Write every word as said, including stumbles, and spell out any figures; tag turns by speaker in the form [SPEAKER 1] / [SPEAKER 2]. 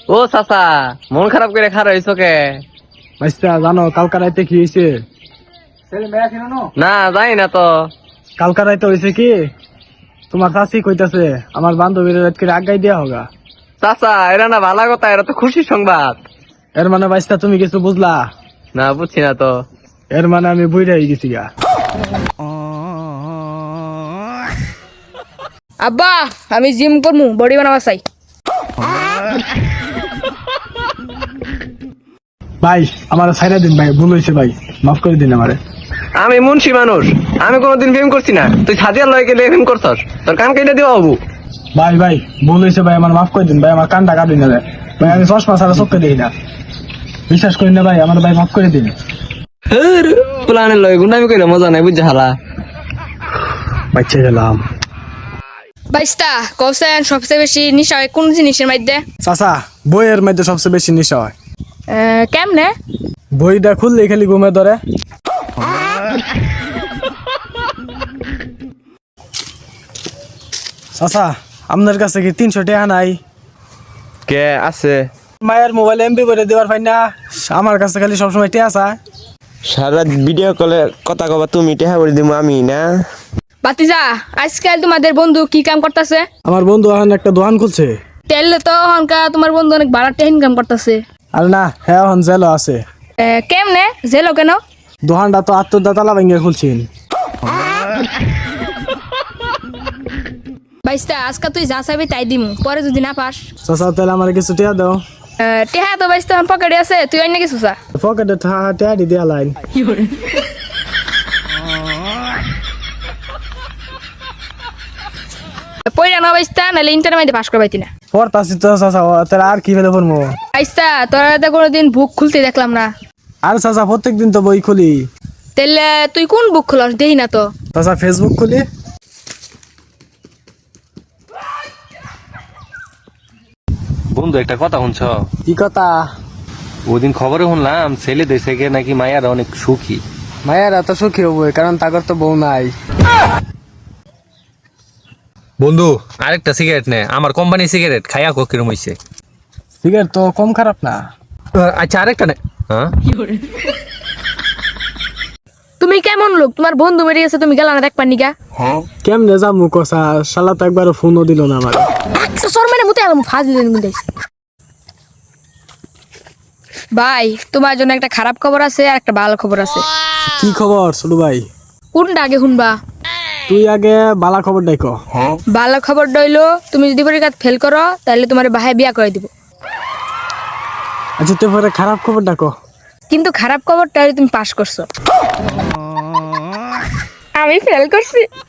[SPEAKER 1] ও চাচা, মন খারাপ করে খারাপ হয়েছ কে?
[SPEAKER 2] বাইস্তা জানো কালকা রাইতে কি হয়েছে?
[SPEAKER 1] না জানি না তো।
[SPEAKER 2] কালকা রাইতে হয়েছে কি, তোমার চাষি কইতাছে আমার বান্ধবীর রাত করে আগাই দেওয়া হোগা।
[SPEAKER 1] চাচা, এরা না ভালো কথা, এরা তো খুশি সংবাদ।
[SPEAKER 2] এর মানে বাইস্তা তুমি কিছু বুঝলা?
[SPEAKER 1] না বুঝছি না তো।
[SPEAKER 2] এর মানে আমি বুঝে গেছি গা।
[SPEAKER 3] আব্বা, আমি জিম করমু, বডি বানাবা চাই।
[SPEAKER 2] ভাই আমার ছাইরা দিন ভাই, ভুল হয়েছে ভাই, মাফ করে দিন আমারে।
[SPEAKER 1] আমি মুন্সি মানুষ, আমি কোনোদিন প্রেম করছি না। তুই সাদিয়ার লয় গেলে প্রেম করছস, তোর কান কেটে দিবা হবু।
[SPEAKER 2] ভাই ভাই ভুল হয়েছে ভাই, আমার মাফ করে দিন ভাই, আমার কানটা কাটুন না ভাই। ভাই আমি চশমা ছাড়া চোখে দিই না, বিশ্বাস করি না ভাই, আমার ভাই মাফ করে দিন।
[SPEAKER 1] প্লানের লয় গুন্ডামি কইলে মজা নাই, বুঝছে হালা।
[SPEAKER 2] বাচ্চা গেলাম।
[SPEAKER 3] বাইশটা কৌশন সবচেয়ে বেশি নিশা হয় কোন জিনিসের মধ্যে?
[SPEAKER 2] চাচা, বইয়ের মধ্যে সবচেয়ে বেশি নেশা হয়।
[SPEAKER 3] আহ, কেমনে?
[SPEAKER 2] বইটা খুললে খালি ঘুমে ধরে। চাচা, আপনার কাছে কি তিনশো টাকা নাই?
[SPEAKER 1] কে আছে?
[SPEAKER 2] মায়ের মোবাইল এমবি করে দেওয়ার পাই না, আমার কাছে খালি সবসময় টেয়া চায়।
[SPEAKER 4] সারা ভিডিও কলে কথা কবা তুমি টেহা করে দিব আমি না।
[SPEAKER 3] বাতিজা, আজকাল তোমাদের বন্ধু কি কাম করতেছে?
[SPEAKER 2] আমার বন্ধু এখন একটা দোকান খুলছে।
[SPEAKER 3] তেলে তো হনকা তোমার বন্ধু অনেক বাড়াতে ইনকাম করতেছে।
[SPEAKER 2] আর না, হ্যাঁ এখন জেলও আছে।
[SPEAKER 3] কেমনে জেলো কেন?
[SPEAKER 2] দোকানটা তো আত্মদা তালা ভেঙে খুলছেন।
[SPEAKER 3] বাইশটা আজকে তুই যা চাবি তাই দিমু, পরে যদি না পাস।
[SPEAKER 2] চাচা তাহলে আমার কিছু টিয়া দাও।
[SPEAKER 3] আহ, টেহা তো বাইশটা পকেটে আছে, তুই অন্য কিছু চা।
[SPEAKER 2] পকেটে টিয়া দি দেওয়া লাইন।
[SPEAKER 3] পয়লা না বাইশটা নাহলে ইন্টারনেটে পাস করবাইতি না।
[SPEAKER 2] পড়তাছি তো চাচা, তাহলে আর কি ফেলে পড়বো?
[SPEAKER 3] বাইশটা তোরা তো কোনোদিন বুক খুলতে দেখলাম না।
[SPEAKER 2] আর চাচা প্রত্যেক দিন তো বই খুলি।
[SPEAKER 3] তাহলে তুই কোন বুক খুলস দেই না তো।
[SPEAKER 2] চাচা ফেসবুক খুলি।
[SPEAKER 5] বন্ধু একটা কথা শুনছ?
[SPEAKER 2] কি কথা?
[SPEAKER 5] ওদিন খবরে শুনলাম ছেলে দেশে গিয়ে নাকি মায়ের অনেক সুখী।
[SPEAKER 2] মায়ের এত সুখী হবো কারণ তাগর তো বউ নাই।
[SPEAKER 5] বন্ধু আরেকটা সিগারেট নে, আমার কোম্পানি সিগারেট খাইয়া কো কিরম হইছে।
[SPEAKER 2] সিগারেট তো কম খারাপ না।
[SPEAKER 5] আচ্ছা আরেকটা নে। হ্যাঁ
[SPEAKER 3] তুমি কেমন লোক, তোমার বন্ধু মেরে গেছে তুমি গেলা না দেখবার নিকা?
[SPEAKER 2] কেমনে যাবো কষা, শালা তো একবার ফোনও দিল না আমার।
[SPEAKER 3] একশো সর মানে মুতে আলাম ফাজ দিলেন মুতে। ভাই তোমার জন্য একটা খারাপ খবর আছে আর একটা ভালো খবর আছে।
[SPEAKER 2] কি খবর ছোট ভাই?
[SPEAKER 3] কোনটা আগে শুনবা?
[SPEAKER 2] তুই আগে বালা খবর ডাইক।
[SPEAKER 3] ভালো খবর ডইলো, তুমি যদি পরীক্ষা ফেল করো তাহলে তোমার ভাই বিয়া করে দিব।
[SPEAKER 2] আচ্ছা তারপরে খারাপ খবর ডাকো।
[SPEAKER 3] কিন্তু খারাপ খবরটা হলো তুমি পাস করছো, আমি ফেল করছি।